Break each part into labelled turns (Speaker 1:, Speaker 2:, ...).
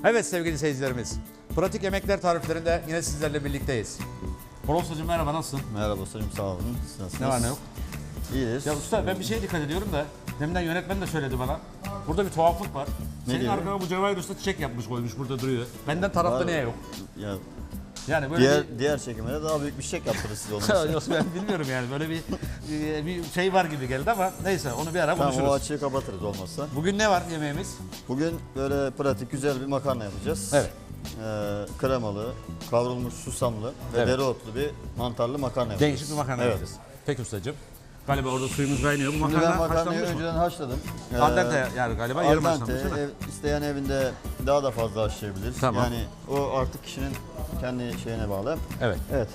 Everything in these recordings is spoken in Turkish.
Speaker 1: Evet sevgili seyircilerimiz, pratik yemekler tariflerinde yine sizlerle birlikteyiz. Bol Ustacığım merhaba, nasılsın?
Speaker 2: Merhaba ustacığım, sağ olun. Siz nasılsınız?
Speaker 1: Ne var ne yok?
Speaker 2: İyiyiz.
Speaker 1: Ya usta ben bir şeye dikkat ediyorum da, deminden yönetmen de söyledi bana. Burada bir tuhaflık var. Senin
Speaker 2: diyor?
Speaker 1: arkana bu Cevahir Usta çiçek yapmış koymuş, burada duruyor. Benden tarafta niye yok?
Speaker 2: Ya,
Speaker 1: Yani böyle
Speaker 2: diğer çekimlere daha büyük bir çiçek yaptırırız siz
Speaker 1: bir...
Speaker 2: olmazsa.
Speaker 1: Yok, ben bilmiyorum yani, böyle bir şey var gibi geldi ama neyse onu bir ara
Speaker 2: Tamam,
Speaker 1: konuşuruz.
Speaker 2: o açığı kapatırız olmazsa.
Speaker 1: Bugün ne var yemeğimiz?
Speaker 2: Bugün böyle pratik güzel bir makarna yapacağız.
Speaker 1: Evet.
Speaker 2: Kremalı, kavrulmuş susamlı ve
Speaker 1: Evet.
Speaker 2: dereotlu bir mantarlı makarna yapacağız.
Speaker 1: Değişik bir makarna
Speaker 2: Evet.
Speaker 1: yapacağız. Peki ustacığım. Galiba orada suyumuz kaynıyor. Bu
Speaker 2: Şimdi
Speaker 1: makarna
Speaker 2: ben makarnayı
Speaker 1: haşlanmış mı?
Speaker 2: önceden haşladım.
Speaker 1: Al dente yani galiba yarım
Speaker 2: Al
Speaker 1: haşlanmış
Speaker 2: dente,
Speaker 1: değil mi?
Speaker 2: isteyen evinde daha da fazla haşlayabilir.
Speaker 1: Tamam.
Speaker 2: Yani o artık kişinin kendi şeyine bağlı.
Speaker 1: Evet.
Speaker 2: Evet.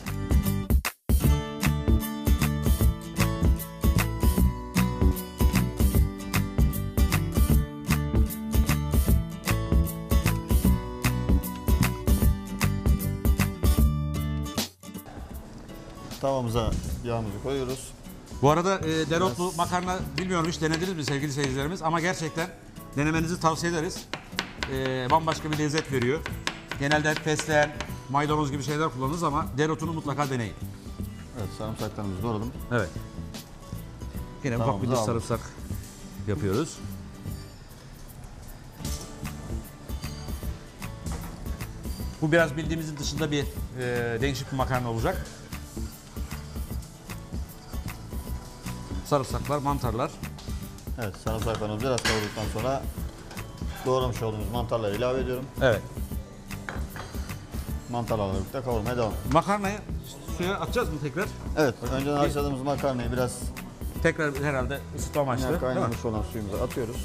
Speaker 2: Tavamıza yağımızı koyuyoruz.
Speaker 1: Bu arada dereotlu makarna bilmiyorum hiç denediniz mi sevgili seyircilerimiz ama gerçekten denemenizi tavsiye ederiz. Bambaşka bir lezzet veriyor. Genelde fesleğen, maydanoz gibi şeyler kullanırız ama dereotunu mutlaka deneyin.
Speaker 2: Evet, sarımsaklarımızı doğradım.
Speaker 1: Evet. Yine ufak bir
Speaker 2: Tavamızı
Speaker 1: diş
Speaker 2: aldık.
Speaker 1: sarımsak yapıyoruz. Bu biraz bildiğimizin dışında bir değişik bir makarna olacak. Sarımsaklar, mantarlar.
Speaker 2: Evet, sarımsaklarımızı biraz kavurduktan sonra doğramış olduğumuz mantarları ilave ediyorum.
Speaker 1: Evet.
Speaker 2: Mantarlarla birlikte kavurmaya devam.
Speaker 1: Makarnayı suya atacağız mı tekrar?
Speaker 2: Evet, önceden haşladığımız makarnayı biraz
Speaker 1: Tekrar herhalde ısıtma amaçlı, değil mi?
Speaker 2: kaynamış olan suyumuza atıyoruz.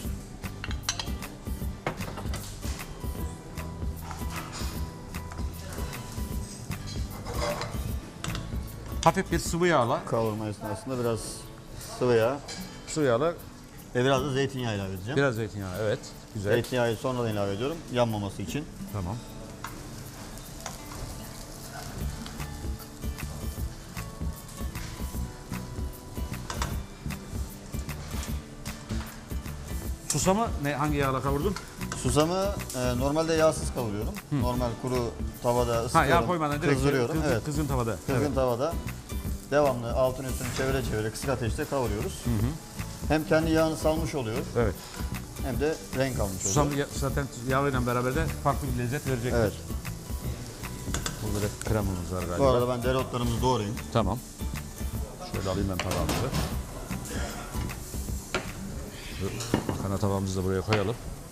Speaker 1: Hafif bir sıvı yağla,
Speaker 2: Kavurma esnasında biraz sıvı yağ ve biraz da zeytinyağı ilave edeceğim.
Speaker 1: biraz zeytinyağı. Evet, güzel.
Speaker 2: Zeytinyağı sonradan ilave ediyorum, yanmaması için.
Speaker 1: Tamam. Susamı hangi yağla kavurdun?
Speaker 2: Susamı normalde yağsız kavuruyorum. Normal kuru tavada
Speaker 1: Ha,
Speaker 2: ısıtıyorum,
Speaker 1: yağ koymadan direkt
Speaker 2: kızdırıyorum. Evet.
Speaker 1: kızgın tavada.
Speaker 2: Kızgın
Speaker 1: Evet.
Speaker 2: tavada devamlı altını üstünü çevire çevire kısık ateşte kavuruyoruz. Hem kendi yağını salmış oluyor
Speaker 1: Evet.
Speaker 2: hem de renk almış
Speaker 1: Susam
Speaker 2: oluyor.
Speaker 1: zaten yağıyla beraber de farklı bir lezzet verecektir.
Speaker 2: Evet.
Speaker 1: Burada da kremamız var galiba.
Speaker 2: Bu arada ben dereotlarımızı doğrayayım.
Speaker 1: Tamam. Şöyle alayım ben tabağımızı. Makarna tabağımızı da buraya koyalım.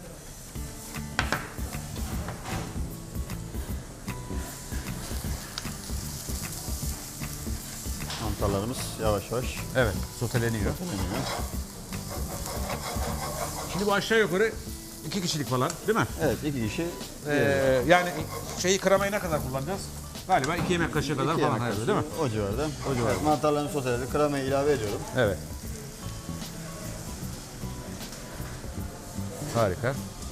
Speaker 2: Mantarlarımız yavaş yavaş
Speaker 1: Evet, soteleniyor.
Speaker 2: dönüyor.
Speaker 1: Şimdi bu aşağı yukarı 2 kişilik falan değil mi?
Speaker 2: Evet, iki kişi.
Speaker 1: Yani şeyi kremayı ne kadar kullanacağız? Galiba 2 yemek kaşığı kadar
Speaker 2: iki
Speaker 1: falan
Speaker 2: yemek
Speaker 1: herhalde
Speaker 2: kaşığı,
Speaker 1: değil mi?
Speaker 2: O civarda. Evet, mantarlarını soteledik. Kremayı ilave ediyorum.
Speaker 1: Evet. Harika.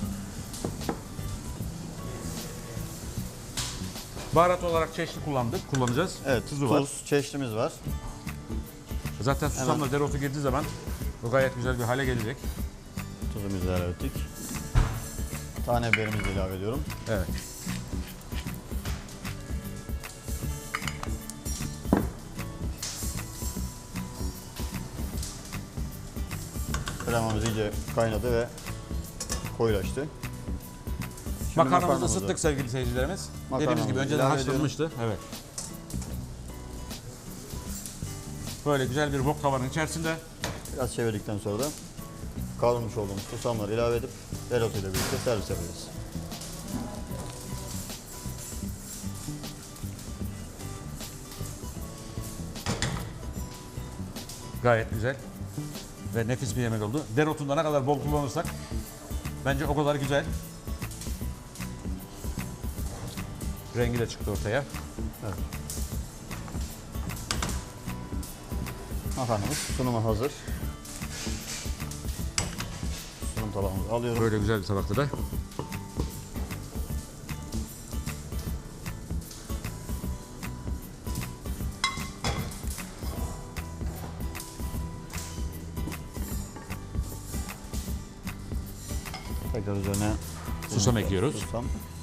Speaker 1: Baharat olarak çeşitli kullanacağız.
Speaker 2: Evet,
Speaker 1: Tuzu var.
Speaker 2: tuz, çeşnimiz var.
Speaker 1: Zaten susamla dereotu girdiği zaman bu gayet güzel bir hale gelecek.
Speaker 2: Tuzumuzu ilave ettik. Tane biberimizi ilave ediyorum.
Speaker 1: Evet.
Speaker 2: Kremamız iyice kaynadı ve koyulaştı. Şimdi
Speaker 1: Makarnamızı ısıttık sevgili seyircilerimiz. Dediğimiz gibi önceden
Speaker 2: ilave
Speaker 1: haşlanmıştı. Evet. Böyle güzel bir wok tavanın içerisinde
Speaker 2: Biraz çevirdikten sonra da kavrulmuş olduğumuz susamları ilave edip dereotu ile birlikte servis yapacağız.
Speaker 1: gayet güzel ve nefis bir yemek oldu. Dereotunu da ne kadar bol kullanırsak bence o kadar güzel. Rengi de çıktı ortaya.
Speaker 2: Evet. Makarnamız sunuma hazır. Sunum tabağımızı alıyorum.
Speaker 1: Böyle güzel bir tabakta da.
Speaker 2: Tekrar üzerine
Speaker 1: Susam ekliyoruz.
Speaker 2: susam.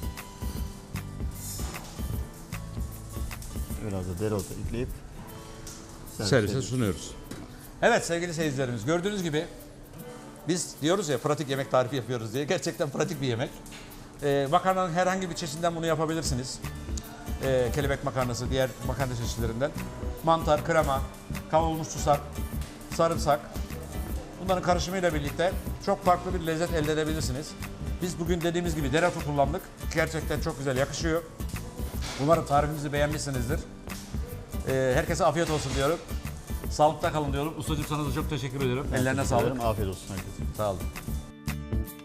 Speaker 2: Biraz da dereotu ekleyip
Speaker 1: servise sunuyoruz. Evet sevgili seyircilerimiz, gördüğünüz gibi biz diyoruz ya pratik yemek tarifi yapıyoruz diye. Gerçekten pratik bir yemek. Makarnanın herhangi bir çeşidinden bunu yapabilirsiniz. Kelebek makarnası, diğer makarna çeşitlerinden. Mantar, krema, kavrulmuş susam, sarımsak. Bunların karışımıyla birlikte çok farklı bir lezzet elde edebilirsiniz. Biz bugün dediğimiz gibi dereotu kullandık. Gerçekten çok güzel yakışıyor. Umarım tarifimizi beğenmişsinizdir. Herkese afiyet olsun diyorum. Sağlıkta kalın diyorum. Ustacığım sana da çok teşekkür ediyorum. Ellerine sağlık.
Speaker 2: Afiyet olsun herkese.
Speaker 1: Sağ olun.